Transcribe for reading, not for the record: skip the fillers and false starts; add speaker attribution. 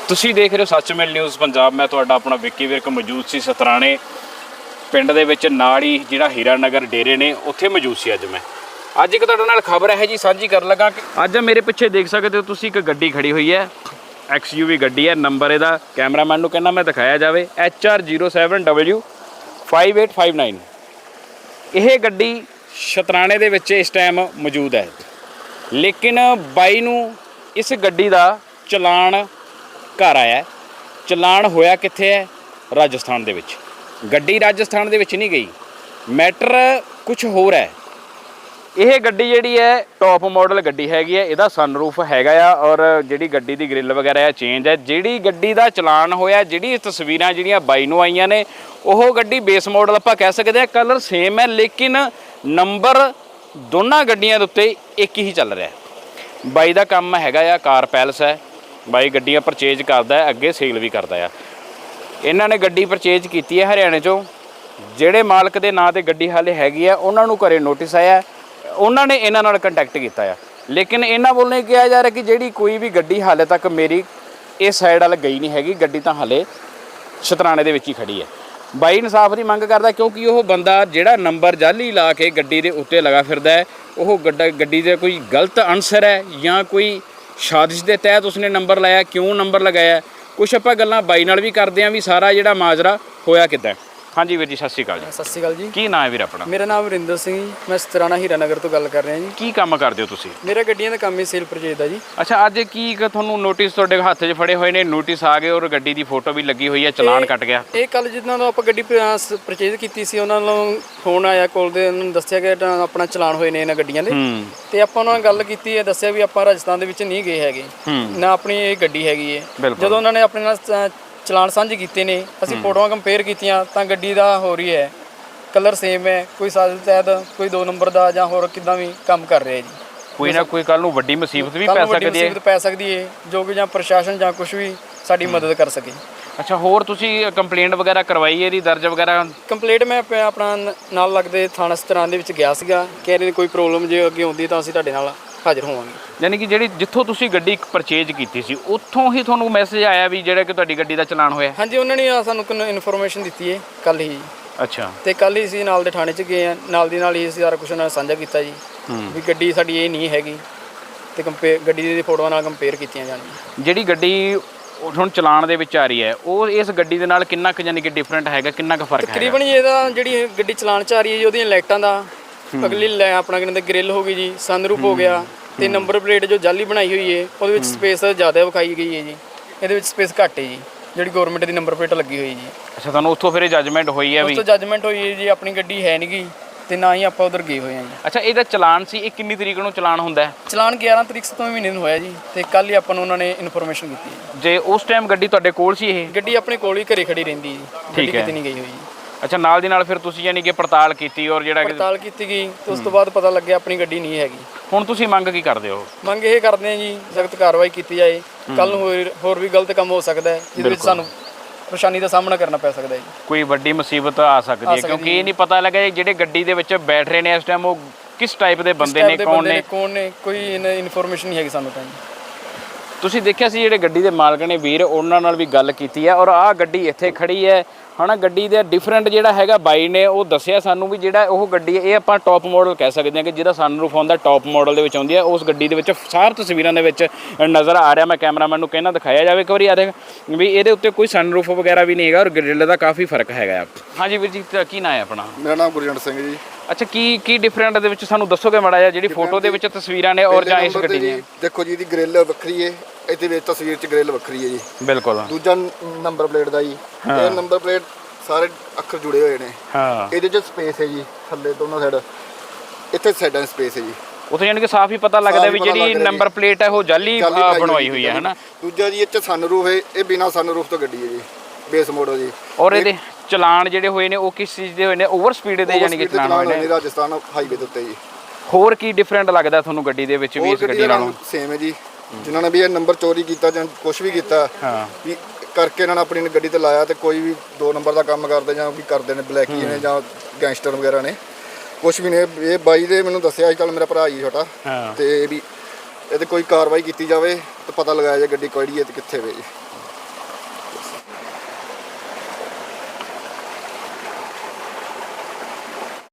Speaker 1: ਤੁਸੀਂ ਦੇਖ ਰਹੇ ਹੋ ਸੱਚਮੇਲ ਨਿਊਜ਼ ਪੰਜਾਬ। ਮੈਂ ਤੁਹਾਡਾ ਆਪਣਾ ਵਿੱਕੀ ਵਿਰਕ ਮੌਜੂਦ ਸੀ ਸਤਰਾਣੇ ਪਿੰਡ ਦੇ ਵਿੱਚ, ਨਾਲ ਹੀ ਜਿਹੜਾ ਹੀਰਾ ਨਗਰ ਡੇਰੇ ਨੇ ਉੱਥੇ ਮੌਜੂਦ ਸੀ। ਅੱਜ ਇੱਕ ਤੁਹਾਡੇ ਨਾਲ ਖਬਰ ਹੈ ਜੀ ਸਾਂਝੀ ਕਰਨ ਲੱਗਾ ਕਿ ਅੱਜ ਮੇਰੇ ਪਿੱਛੇ ਦੇਖ ਸਕਦੇ ਹੋ ਤੁਸੀਂ ਇੱਕ ਗੱਡੀ ਖੜੀ ਹੋਈ ਹੈ, XUV ਗੱਡੀ ਹੈ। ਨੰਬਰ ਇਹਦਾ ਕੈਮਰਾਮੈਨ ਨੂੰ ਕਹਿੰਦਾ ਮੈਂ ਦਿਖਾਇਆ ਜਾਵੇ, HR07W5859। ਇਹ ਗੱਡੀ ਸ਼ਤਰਾਣੇ ਦੇ ਵਿੱਚ ਇਸ ਟਾਈਮ ਮੌਜੂਦ ਹੈ, ਲੇਕਿਨ ਬਾਈ ਨੂੰ ਇਸ ਗੱਡੀ ਦਾ ਚਲਾਨ ਘਰ ਆਇਆ। ਚਲਾਨ ਹੋਇਆ ਕਿੱਥੇ ਹੈ? ਰਾਜਸਥਾਨ ਦੇ ਵਿੱਚ। ਗੱਡੀ ਰਾਜਸਥਾਨ ਦੇ ਵਿੱਚ ਨਹੀਂ ਗਈ, ਮੈਟਰ ਕੁਝ ਹੋਰ ਹੈ। ਇਹ ਗੱਡੀ ਜਿਹੜੀ ਹੈ ਟੌਪ ਮਾਡਲ ਗੱਡੀ ਹੈਗੀ ਹੈ, ਇਹਦਾ ਸਨਰੂਫ ਹੈਗਾ ਆ ਔਰ ਜਿਹੜੀ ਗੱਡੀ ਦੀ ਗ੍ਰਿਲ ਵਗੈਰਾ ਹੈ ਚੇਂਜ ਹੈ। ਜਿਹੜੀ ਗੱਡੀ ਦਾ ਚਲਾਨ ਹੋਇਆ, ਜਿਹੜੀ ਤਸਵੀਰਾਂ ਜਿਹੜੀਆਂ ਬਾਈ ਨੂੰ ਆਈਆਂ ਨੇ, ਉਹ ਗੱਡੀ ਬੇਸ ਮਾਡਲ ਆਪਾਂ ਕਹਿ ਸਕਦੇ ਹਾਂ, ਕਲਰ ਸੇਮ ਹੈ, ਲੇਕਿਨ ਨੰਬਰ ਦੋਨਾਂ ਗੱਡੀਆਂ ਦੇ ਉੱਤੇ ਇੱਕ ਹੀ ਚੱਲ ਰਿਹਾ। ਬਾਈ ਦਾ ਕੰਮ ਹੈਗਾ ਆ ਕਾਰ ਪੈਲਸ ਹੈ, ਬਾਈ ਗੱਡੀਆਂ ਪਰਚੇਜ ਕਰਦਾ ਹੈ, ਅੱਗੇ ਸੇਲ ਵੀ ਕਰਦਾ ਆ। ਇਹਨਾਂ ਨੇ ਗੱਡੀ ਪਰਚੇਜ ਕੀਤੀ ਹੈ ਹਰਿਆਣੇ 'ਚੋਂ। ਜਿਹੜੇ ਮਾਲਕ ਦੇ ਨਾਂ 'ਤੇ ਗੱਡੀ ਹਾਲੇ ਹੈਗੀ ਆ, ਉਹਨਾਂ ਨੂੰ ਘਰੇ ਨੋਟਿਸ ਆਇਆ, ਉਹਨਾਂ ਨੇ ਇਹਨਾਂ ਨਾਲ ਕੰਟੈਕਟ ਕੀਤਾ ਆ। ਲੇਕਿਨ ਇਹਨਾਂ ਵੱਲੋਂ ਕਿਹਾ ਜਾ ਰਿਹਾ ਕਿ ਜਿਹੜੀ ਕੋਈ ਵੀ ਗੱਡੀ ਹਾਲੇ ਤੱਕ ਮੇਰੀ ਇਸ ਸਾਈਡ ਵੱਲ ਗਈ ਨਹੀਂ ਹੈਗੀ, ਗੱਡੀ ਤਾਂ ਹਾਲੇ ਸ਼ਤਰਾਣੇ ਦੇ ਵਿੱਚ ਹੀ ਖੜੀ ਹੈ। ਬਾਈ ਇਨਸਾਫ ਦੀ ਮੰਗ ਕਰਦਾ, ਕਿਉਂਕਿ ਉਹ ਬੰਦਾ ਜਿਹੜਾ ਨੰਬਰ ਜਾਲੀ ਲਾ ਕੇ ਗੱਡੀ ਦੇ ਉੱਤੇ ਲਗਾ ਫਿਰਦਾ ਹੈ, ਉਹ ਗੱਡੀ ਦੇ ਕੋਈ ਗਲਤ ਅਨਸਰ ਹੈ ਜਾਂ ਕੋਈ ਸਾਜ਼ਿਸ਼ ਦੇ ਤਹਿਤ ਉਸਨੇ ਨੰਬਰ ਲਾਇਆ, ਕਿਉਂ ਨੰਬਰ ਲਗਾਇਆ, ਕੁਛ ਆਪਾਂ ਗੱਲਾਂ ਬਾਈ ਨਾਲ ਵੀ ਕਰਦੇ ਹਾਂ ਵੀ ਸਾਰਾ ਜਿਹੜਾ ਮਾਜਰਾ ਹੋਇਆ ਕਿੱਦਾਂ। ਹਾਂਜੀ ਵੀਰ ਜੀ, ਸਤਿ ਸ਼੍ਰੀ ਅਕਾਲ ਜੀ।
Speaker 2: ਸਤਿ ਸ਼੍ਰੀ ਅਕਾਲ ਜੀ।
Speaker 1: ਕੀ ਨਾਮ ਹੈ ਵੀਰ ਆਪਣਾ?
Speaker 2: ਮੇਰਾ ਨਾਮ ਵਰਿੰਦਰ ਸਿੰਘ ਜੀ, ਮੈਂ ਸਤਰਾਣਾ ਹੀਰਾ ਨਗਰ ਤੋਂ ਗੱਲ ਕਰ ਰਿਹਾ ਜੀ।
Speaker 1: ਕੀ ਕੰਮ ਕਰਦੇ ਹੋ ਤੁਸੀਂ?
Speaker 2: ਮੇਰਾ ਗੱਡੀਆਂ ਦਾ ਕੰਮ ਹੀ ਸੇਲ ਪਰਚੇਜ ਦਾ ਜੀ।
Speaker 1: ਅੱਛਾ, ਅੱਜ ਕੀ ਤੁਹਾਨੂੰ ਨੋਟਿਸ ਤੁਹਾਡੇ ਹੱਥ 'ਚ ਫੜੇ ਹੋਏ ਨੇ, ਨੋਟਿਸ ਆ ਗਏ ਔਰ ਗੱਡੀ ਦੀ ਫੋਟੋ ਵੀ ਲੱਗੀ ਹੋਈ ਹੈ, ਚਲਾਨ ਕੱਟ ਗਿਆ?
Speaker 2: ਇਹ ਕੱਲ ਜਿੱਦਾਂ ਦਾ ਆਪਾਂ ਗੱਡੀ ਪਰਚੇਜ ਕੀਤੀ ਸੀ, ਉਹਨਾਂ ਨੂੰ ਫੋਨ ਆਇਆ ਕੋਲ ਦੇ, ਉਹਨਾਂ ਨੂੰ ਦੱਸਿਆ ਕਿ ਆਪਣਾ ਚਲਾਨ ਹੋਏ ਨੇ ਇਹਨਾਂ ਗੱਡੀਆਂ ਦੇ, ਤੇ ਆਪਾਂ ਉਹਨਾਂ ਨਾਲ ਗੱਲ ਕੀਤੀ ਹੈ, ਦੱਸਿਆ ਵੀ ਆਪਾਂ ਰਾਜਸਥਾਨ ਦੇ ਵਿੱਚ ਨਹੀਂ ਗਏ ਹੈਗੇ, ਨਾ ਆਪਣੀ ਇਹ ਗੱਡੀ ਹੈਗੀ ਹੈ। ਜਦੋਂ ਉਹਨਾਂ ਨੇ ਆਪਣੇ ਨਾਲ ਚਲਾਨ ਸਾਂਝੇ ਕੀਤੇ ਨੇ, ਅਸੀਂ ਫੋਟੋਆਂ ਕੰਪੇਅਰ ਕੀਤੀਆਂ ਤਾਂ ਗੱਡੀ ਦਾ ਹੋ ਰਹੀ ਹੈ, ਕਲਰ ਸੇਮ ਹੈ, ਕੋਈ ਸਾਜ਼ਿਸ਼ ਤਹਿਤ ਕੋਈ 2 ਨੰਬਰ ਦਾ ਜਾਂ ਹੋਰ ਕਿੱਦਾਂ ਵੀ ਕੰਮ ਕਰ ਰਿਹਾ ਜੀ।
Speaker 1: ਕੋਈ ਨਾ ਕੋਈ ਕੱਲ ਨੂੰ ਵੱਡੀ ਮੁਸੀਬਤ ਵੀ ਪੈ
Speaker 2: ਸਕਦੀ ਹੈ, ਜੋ ਕਿ ਜਾਂ ਪ੍ਰਸ਼ਾਸਨ ਜਾਂ ਕੁਝ ਵੀ ਸਾਡੀ ਮਦਦ ਕਰ ਸਕੇ।
Speaker 1: ਅੱਛਾ, ਹੋਰ ਤੁਸੀਂ ਕੰਪਲੇਂਟ ਵਗੈਰਾ ਕਰਵਾਈ ਇਹਦੀ, ਦਰਜ ਵਗੈਰਾ?
Speaker 2: ਕੰਪਲੇਂਟ ਮੈਂ ਆਪਣਾ ਨਾਲ ਲੱਗਦੇ ਥਾਣਾ ਸਤਰਾਣੇ ਦੇ ਵਿੱਚ ਗਿਆ ਸੀਗਾ, ਕਹਿ ਰਹੇ ਕੋਈ ਪ੍ਰੋਬਲਮ ਜੇ ਅੱਗੇ ਆਉਂਦੀ ਤਾਂ ਅਸੀਂ ਤੁਹਾਡੇ ਨਾਲ ਹਾਜ਼ਰ ਹੋਵਾਂਗੇ।
Speaker 1: ਯਾਨੀ ਕਿ ਜਿਹੜੀ ਜਿੱਥੋਂ ਤੁਸੀਂ ਗੱਡੀ ਪਰਚੇਜ ਕੀਤੀ ਸੀ, ਉੱਥੋਂ ਹੀ ਤੁਹਾਨੂੰ ਮੈਸੇਜ ਆਇਆ ਵੀ ਜਿਹੜਾ ਕਿ ਤੁਹਾਡੀ ਗੱਡੀ ਦਾ ਚਲਾਨ ਹੋਇਆ?
Speaker 2: ਹਾਂਜੀ, ਉਹਨਾਂ ਨੇ ਸਾਨੂੰ ਇਨਫੋਰਮੇਸ਼ਨ ਦਿੱਤੀ ਹੈ ਕੱਲ ਹੀ।
Speaker 1: ਅੱਛਾ, ਤੇ
Speaker 2: ਕੱਲ ਹੀ ਅਸੀਂ ਨਾਲ ਦੇ ਥਾਣੇ 'ਚ ਗਏ ਹਾਂ, ਨਾਲ ਦੀ ਨਾਲ ਹੀ ਅਸੀਂ ਸਾਰਾ ਕੁਝ ਨਾਲ ਸਾਂਝਾ ਕੀਤਾ ਜੀ ਵੀ ਗੱਡੀ ਸਾਡੀ ਇਹ ਨਹੀਂ ਹੈਗੀ, ਤੇ ਗੱਡੀ ਦੀ ਫੋਟੋਆਂ ਨਾਲ ਕੰਪੇਅਰ ਕੀਤੀਆਂ ਜਾਣਗੀਆਂ।
Speaker 1: ਜਿਹੜੀ ਗੱਡੀ ਹੁਣ ਚਲਾਨ ਦੇ ਵਿੱਚ ਆ ਰਹੀ ਹੈ, ਉਹ ਇਸ ਗੱਡੀ ਦੇ ਨਾਲ ਕਿੰਨਾ ਕੁ ਯਾਨੀ ਕਿ ਡਿਫਰੈਂਟ ਹੈਗਾ, ਕਿੰਨਾ ਕੁ ਫਰਕ ਹੈ?
Speaker 2: ਤਕਰੀਬਨ ਇਹਦਾ ਜਿਹੜੀ ਗੱਡੀ ਚਲਾਨ 'ਚ ਆ ਰਹੀ ਹੈ ਜੀ, ਉਹਦੀਆਂ ਲਾਈਟਾਂ ਦਾ ਅਗਲੀ ਆਪਣਾ ਕਹਿੰਦੇ ਗ੍ਰਿਲ ਹੋ ਗਈ ਜੀ, ਸਨਰੂਫ ਹੋ ਗਿਆ, ਤੇ ਨੰਬਰ ਪਲੇਟ ਜੋ ਜਾਲੀ ਬਣਾਈ ਹੋਈ ਹੈ ਉਹਦੇ ਵਿੱਚ ਸਪੇਸ ਜ਼ਿਆਦਾ ਵਿਖਾਈ ਗਈ ਹੈ ਜੀ, ਇਹਦੇ ਵਿੱਚ ਸਪੇਸ ਘੱਟ ਹੈ ਜੀ, ਜਿਹੜੀ ਗਵਰਨਮੈਂਟ ਦੀ ਨੰਬਰ ਪਲੇਟ ਲੱਗੀ ਹੋਈ ਜੀ।
Speaker 1: ਅੱਛਾ, ਤੁਹਾਨੂੰ ਉੱਥੋਂ ਫਿਰ ਜੱਜਮੈਂਟ ਹੋਈ ਹੈ?
Speaker 2: ਉੱਥੋਂ ਜੱਜਮੈਂਟ ਹੋਈ ਹੈ ਜੀ, ਆਪਣੀ ਗੱਡੀ ਹੈ ਨਹੀਂ ਗਈ ਤੇ ਨਾ ਹੀ ਆਪਾਂ ਉਧਰ ਗਏ ਹੋਏ ਹਾਂ ਜੀ।
Speaker 1: ਅੱਛਾ, ਇਹਦਾ ਚਲਾਨ ਸੀ, ਇਹ ਕਿੰਨੀ ਤਰੀਕ ਨੂੰ ਚਲਾਨ ਹੁੰਦਾ ਹੈ?
Speaker 2: ਚਲਾਨ 11 ਤਰੀਕ 7ਵੇਂ ਮਹੀਨੇ ਨੂੰ ਹੋਇਆ ਜੀ, ਤੇ ਕੱਲ ਹੀ ਆਪਾਂ ਨੂੰ ਉਹਨਾਂ ਨੇ ਇਨਫੋਰਮੇਸ਼ਨ ਦਿੱਤੀ।
Speaker 1: ਜੇ ਉਸ ਟਾਈਮ ਗੱਡੀ ਤੁਹਾਡੇ ਕੋਲ ਸੀ? ਇਹ ਗੱਡੀ
Speaker 2: ਆਪਣੇ ਕੋਲ ਹੀ ਘਰੇ ਖੜੀ ਰਹਿੰਦੀ ਜੀ,
Speaker 1: ਗੱਡੀ
Speaker 2: ਕਿਤੇ ਨਹੀਂ ਗਈ ਹੋਈ ਜੀ।
Speaker 1: ਅੱਛਾ, ਨਾਲ ਦੀ ਨਾਲ ਫਿਰ ਤੁਸੀਂ ਯਾਨੀ ਕਿ ਪੜਤਾਲ ਕੀਤੀ ਔਰ ਜਿਹੜਾ
Speaker 2: ਪੜਤਾਲ ਕੀਤੀ ਗਈ ਤੇ ਉਸ ਤੋਂ ਬਾਅਦ ਪਤਾ ਲੱਗਿਆ ਆਪਣੀ ਗੱਡੀ ਨਹੀਂ ਹੈਗੀ।
Speaker 1: ਹੁਣ ਤੁਸੀਂ ਮੰਗ ਕੀ ਕਰਦੇ ਹੋ?
Speaker 2: ਮੰਗ ਇਹ ਕਰਦੇ ਹਾਂ ਜੀ, ਸਖਤ ਕਾਰਵਾਈ ਕੀਤੀ ਜਾਏ। ਕੱਲ ਨੂੰ ਹੋਰ ਵੀ ਗਲਤ ਕੰਮ ਹੋ ਸਕਦਾ ਹੈ, ਜਿਹਦੇ ਵਿੱਚ ਸਾਨੂੰ ਪਰੇਸ਼ਾਨੀ ਦਾ ਸਾਹਮਣਾ ਕਰਨਾ ਪੈ ਸਕਦਾ ਹੈ ਜੀ। ਕੋਈ
Speaker 1: ਵੱਡੀ ਮੁਸੀਬਤ ਆ ਸਕਦੀ ਹੈ, ਕਿਉਂਕਿ ਇਹ ਨਹੀਂ ਪਤਾ ਲੱਗਾ ਜਿਹੜੇ ਗੱਡੀ ਦੇ ਵਿੱਚ ਬੈਠ ਰਹੇ ਨੇ ਇਸ ਟਾਈਮ ਉਹ ਕਿਸ ਟਾਈਪ ਦੇ ਬੰਦੇ ਨੇ, ਕੌਣ ਨੇ, ਕੋਈ ਇਨਫੋਰਮੇਸ਼ਨ ਨਹੀਂ ਹੈਗੀ ਸਾਨੂੰ ਤਾਂ। ਤੁਸੀਂ ਦੇਖਿਆ ਸੀ ਜਿਹੜੇ ਗੱਡੀ ਦੇ ਮਾਲਕ ਨੇ ਵੀਰ, ਉਹਨਾਂ ਨਾਲ ਵੀ ਗੱਲ ਕੀਤੀ ਹੈ ਔਰ ਆਹ ਗੱਡੀ ਇੱਥੇ ਖੜੀ ਹੈ ਹਨਾ। ਗੱਡੀ ਦਾ ਡਿਫਰੈਂਟ ਜਿਹੜਾ ਹੈਗਾ ਬਾਈ ਨੇ ਉਹ ਦੱਸਿਆ ਸਾਨੂੰ ਵੀ ਜਿਹੜਾ ਉਹ ਗੱਡੀ ਹੈ, ਇਹ ਆਪਾਂ ਟੌਪ ਮਾਡਲ ਕਹਿ ਸਕਦੇ ਹਾਂ ਕਿ ਜਿਹਦਾ ਸਨਰੂਫ ਆਉਂਦਾ ਟੌਪ ਮਾਡਲ ਦੇ ਵਿੱਚ ਆਉਂਦੀ ਹੈ। ਉਸ ਗੱਡੀ ਦੇ ਵਿੱਚ ਸਾਰ ਤਸਵੀਰਾਂ ਦੇ ਵਿੱਚ ਨਜ਼ਰ ਆ ਰਿਹਾ, ਮੈਂ ਕੈਮਰਾਮੈਨ ਨੂੰ ਕਹਿਣਾ ਦਿਖਾਇਆ ਜਾਵੇ ਇੱਕ ਵਾਰੀ, ਆ ਦੇਖ ਵੀ ਇਹਦੇ ਉੱਤੇ ਕੋਈ ਸਨਰੂਫ ਵਗੈਰਾ ਵੀ ਨਹੀਂ ਹੈਗਾ ਔਰ ਗ੍ਰਿਲ ਦਾ ਕਾਫੀ ਫਰਕ ਹੈਗਾ। ਹਾਂਜੀ ਵੀਰ ਜੀ, ਕੀ ਨਾਂ ਹੈ ਆਪਣਾ?
Speaker 3: ਮੇਰਾ ਨਾਮ ਗੁਰਜੰਟ ਸਿੰਘ ਜੀ।
Speaker 1: ਅੱਛਾ, ਕੀ ਡਿਫਰੈਂਟ ਦੇ ਵਿੱਚ ਸਾਨੂੰ ਦੱਸੋਗੇ ਮਾੜਾ ਜਿਹਾ, ਜਿਹੜੀ ਫੋਟੋ ਦੇ ਵਿੱਚ ਤਸਵੀਰਾਂ ਨੇ ਔਰ ਜਾਂ ਇਸ ਗੱਡੀ ਦੀਆਂ?
Speaker 3: ਦੇਖੋ ਜੀ, ਇਹਦੀ ਗ੍ਰਿਲ ਵੱਖਰੀ ਹੈ, ਇਹਦੇ ਵਿੱਚ ਤਸਵੀਰ 'ਚ ਗ੍ਰਿਲ ਵੱਖਰੀ ਹੈ ਜੀ।
Speaker 1: ਬਿਲਕੁਲ।
Speaker 3: ਦੂਜਾ ਨੰਬਰ ਪਲੇਟ ਦਾ ਜੀ, ਇਹ ਨੰਬਰ ਪਲੇਟ ਸਾਰੇ ਅੱਖਰ ਜੁੜੇ ਹੋਏ ਨੇ। ਹਾਂ, ਇਹਦੇ 'ਚ ਸਪੇਸ ਹੈ ਜੀ, ਥੱਲੇ ਦੋਨੋਂ ਸਾਈਡ, ਇੱਥੇ ਸਾਈਡਾਂ 'ਚ ਸਪੇਸ ਹੈ ਜੀ।
Speaker 1: ਉੱਥੇ ਯਾਨੀ ਕਿ ਸਾਫ਼ ਹੀ ਪਤਾ ਲੱਗਦਾ ਵੀ ਜਿਹੜੀ ਨੰਬਰ ਪਲੇਟ ਹੈ ਉਹ ਜਾਲੀ ਬਣਵਾਈ ਹੋਈ ਹੈ ਹਨਾ।
Speaker 3: ਦੂਜਾ ਜੀ, ਇੱਥੇ ਸਨਰੂਫ ਹੈ, ਇਹ ਬਿਨਾਂ ਸਨਰੂਫ ਤੋਂ ਗੱਡੀ ਹੈ ਜੀ, ਬੇਸ ਮਾਡਲ ਜੀ।
Speaker 1: ਔਰ ਇਹਦੇ ਚਲਾਨ ਜਿਹੜੇ ਹੋਏ ਨੇ ਉਹ ਕਿਸ ਚੀਜ਼ ਦੇ ਹੋਏ ਨੇ? ਓਵਰ ਸਪੀਡ ਦੇ ਯਾਨੀ ਕਿ ਚਲਾਨ ਹੋਏ ਨੇ
Speaker 3: ਰਾਜਸਥਾਨ ਹਾਈਵੇ ਦੇ ਉੱਤੇ ਜੀ।
Speaker 1: ਹੋਰ ਕੀ ਡਿਫਰੈਂਟ ਲੱਗਦਾ ਤੁਹਾਨੂੰ ਗੱਡੀ ਦੇ ਵਿੱਚ ਵੀ ਇਸ ਗੱਡੀ ਨਾਲੋਂ?
Speaker 3: ਸੇਮ ਹੈ ਜੀ, ਜਿਨ੍ਹਾਂ ਨੇ ਵੀ ਇਹ ਨੰਬਰ ਚੋਰੀ ਕੀਤਾ ਜਾਂ ਕੁਝ ਵੀ ਕੀਤਾ ਵੀ ਕਰਕੇ ਇਹਨਾਂ ਨੇ ਆਪਣੀ ਗੱਡੀ ਤੇ ਲਾਇਆ, ਤੇ ਕੋਈ ਵੀ 2 ਨੰਬਰ ਦਾ ਕੰਮ ਕਰਦੇ ਜਾਂ ਵੀ ਕਰਦੇ ਨੇ, ਬਲੈਕੀ ਨੇ ਜਾਂ ਗੈਂਗਸਟਰ ਵਗੈਰਾ ਨੇ, ਕੁਝ ਵੀ ਨੇ। ਇਹ ਬਾਈ ਦੇ ਮੈਨੂੰ ਦੱਸਿਆ ਅੱਜ ਕੱਲ੍ਹ ਮੇਰਾ ਭਰਾ ਜੀ ਛੋਟਾ, ਤੇ ਵੀ ਇਹਦੇ ਕੋਈ ਕਾਰਵਾਈ ਕੀਤੀ ਜਾਵੇ ਤੇ ਪਤਾ ਲਗਾਇਆ ਜਾਏ ਗੱਡੀ ਕਿਹੜੀ ਹੈ ਤੇ ਕਿੱਥੇ ਵੇ ਜੀ।